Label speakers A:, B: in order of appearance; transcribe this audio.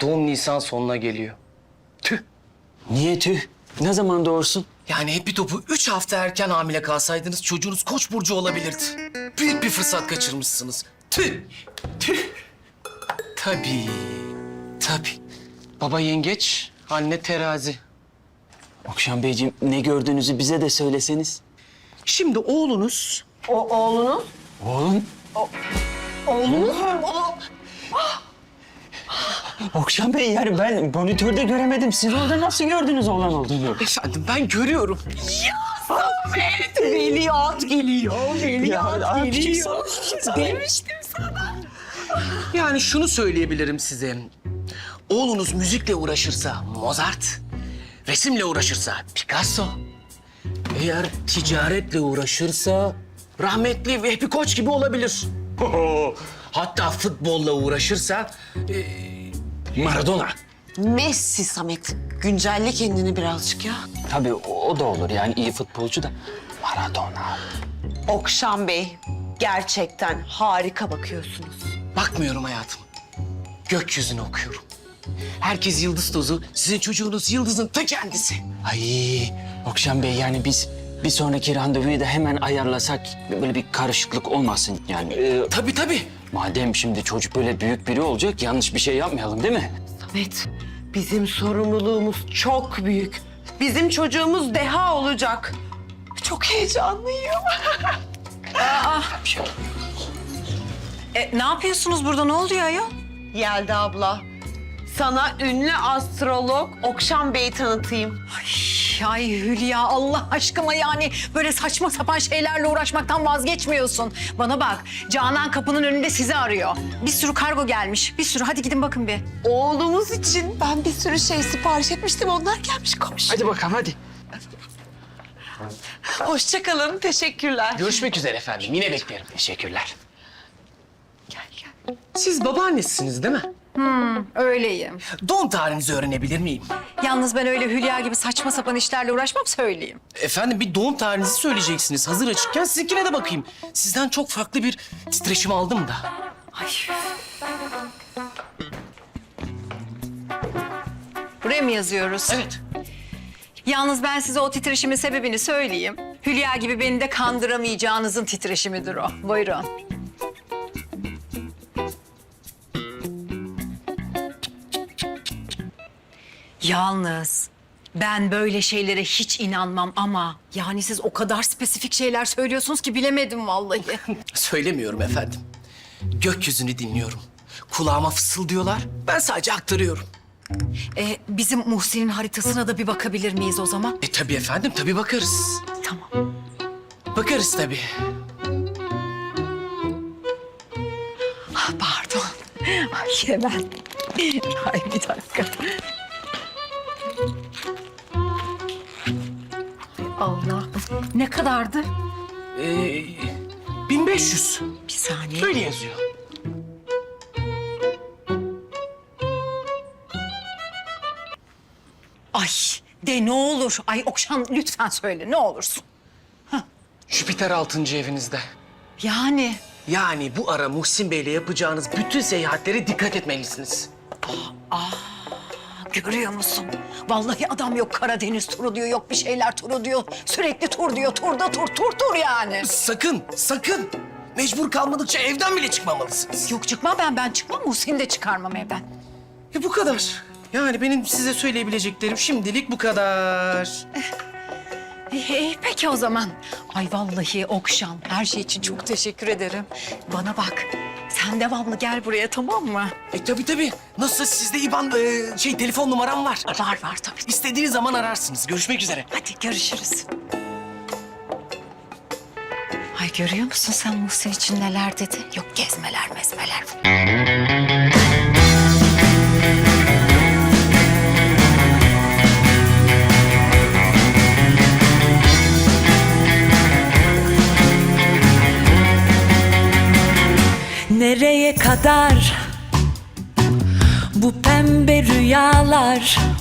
A: doğum Nisan sonuna geliyor. Tüh.
B: Niye tüh? Ne zaman doğursun?
A: Yani Happy Top'u 3 hafta erken hamile kalsaydınız çocuğunuz Koç burcu olabilirdi. Büyük bir fırsat kaçırmışsınız. Tüh. Tüh. Tabii. Tabii. Baba yengeç, anne terazi.
B: Okşan Beyciğim ne gördüğünüzü bize de söyleseniz.
A: Şimdi oğlunuz...
C: Oğlunuz?
B: Oğlum.
C: Oğlunuz?
B: Okşan Bey yani ben monitörde göremedim. Siz orada nasıl gördünüz oğlan olduğunu?
A: Efendim ben görüyorum.
C: Veliaht geliyor. Veliaht geliyor.
B: Demiştim.
A: Yani şunu söyleyebilirim size. Oğlunuz müzikle uğraşırsa Mozart, resimle uğraşırsa Picasso, eğer ticaretle uğraşırsa rahmetli Vehbi Koç gibi olabilir. Hatta futbolla uğraşırsa Maradona.
C: Messi Samet. Güncelle kendini birazcık ya.
B: Tabii o da olur yani iyi futbolcu da. Maradona.
C: Okşan Bey, gerçekten harika bakıyorsunuz.
A: Bakmıyorum hayatım. Gökyüzünü okuyorum. Herkes yıldız tozu, sizin çocuğunuz yıldızın ta kendisi.
B: Ay Okşan Bey yani biz bir sonraki randevuyu da hemen ayarlasak böyle bir karışıklık olmasın yani.
A: Tabii tabii.
B: Madem şimdi çocuk böyle büyük biri olacak yanlış bir şey yapmayalım değil mi?
C: Samet, bizim sorumluluğumuz çok büyük. Bizim çocuğumuz deha olacak. Çok heyecanlıyım.
D: Ne yapıyorsunuz burada? Ne oluyor ayol?
C: Yelda abla, sana ünlü astrolog Okşan Bey'i tanıtayım.
D: Ay Hülya Allah aşkına yani böyle saçma sapan şeylerle uğraşmaktan vazgeçmiyorsun. Bana bak Canan kapının önünde sizi arıyor. Bir sürü kargo gelmiş. Bir sürü hadi gidin bakın bir.
C: Oğlumuz için ben bir sürü şey sipariş etmiştim. Onlar gelmiş komşu.
B: Hadi bakalım hadi.
C: Hoşça kalın, teşekkürler.
A: Görüşmek üzere efendim. Yine beklerim.
B: Teşekkürler.
A: Siz babaannesiniz değil mi?
D: Öyleyim.
A: Doğum tarihinizi öğrenebilir miyim?
D: Yalnız ben öyle Hülya gibi saçma sapan işlerle uğraşmam söyleyeyim.
A: Efendim bir doğum tarihinizi söyleyeceksiniz. Hazır açıkken sizinkine de bakayım. Sizden çok farklı bir titreşim aldım da.
D: Ay. Buraya mı yazıyoruz?
A: Evet.
D: Yalnız ben size o titreşimin sebebini söyleyeyim. Hülya gibi beni de kandıramayacağınızın titreşimidir o. Buyurun. Yalnız ben böyle şeylere hiç inanmam ama yani siz o kadar spesifik şeyler söylüyorsunuz ki bilemedim vallahi.
A: Söylemiyorum efendim. Gökyüzünü dinliyorum. Kulağıma fısıldıyorlar. Ben sadece aktarıyorum.
D: Bizim Muhsin'in haritasına da bir bakabilir miyiz o zaman?
A: Tabii efendim, tabii bakarız.
D: Tamam.
A: Bakarız tabii.
D: Ah, pardon. Ay hemen. Ay bir dakika. Allah. Ne kadardı?
A: 1500.
D: Bir saniye.
A: Böyle yazıyor.
D: Ay de ne olur. Ay Okşan lütfen söyle ne olursun.
A: Jüpiter 6. evinizde.
D: Yani
A: Yani bu ara Muhsin Bey'le yapacağınız bütün seyahatlere dikkat etmelisiniz.
D: görüyor musun? Vallahi adam yok Karadeniz turu diyor, yok bir şeyler turu diyor. Sürekli tur diyor, turda tur yani.
A: Sakın, sakın. Mecbur kalmadıkça evden bile çıkmamalısınız.
D: Yok çıkmam ben çıkmam. Muhsin'i de çıkarmam evden.
A: Bu kadar. Yani benim size söyleyebileceklerim şimdilik bu kadar.
D: Peki o zaman. Ay vallahi Okşan her şey için çok teşekkür ederim. Bana bak sen devamlı gel buraya tamam mı?
A: Tabii tabii. Nasıl sizde İban telefon numaram var.
D: Var tabii.
A: İstediğiniz zaman ararsınız. Görüşmek üzere.
D: Hadi görüşürüz. Ay görüyor musun sen Muhsin için neler dedi? Yok gezmeler mezmeler.
E: Nereye kadar bu pembe rüyalar?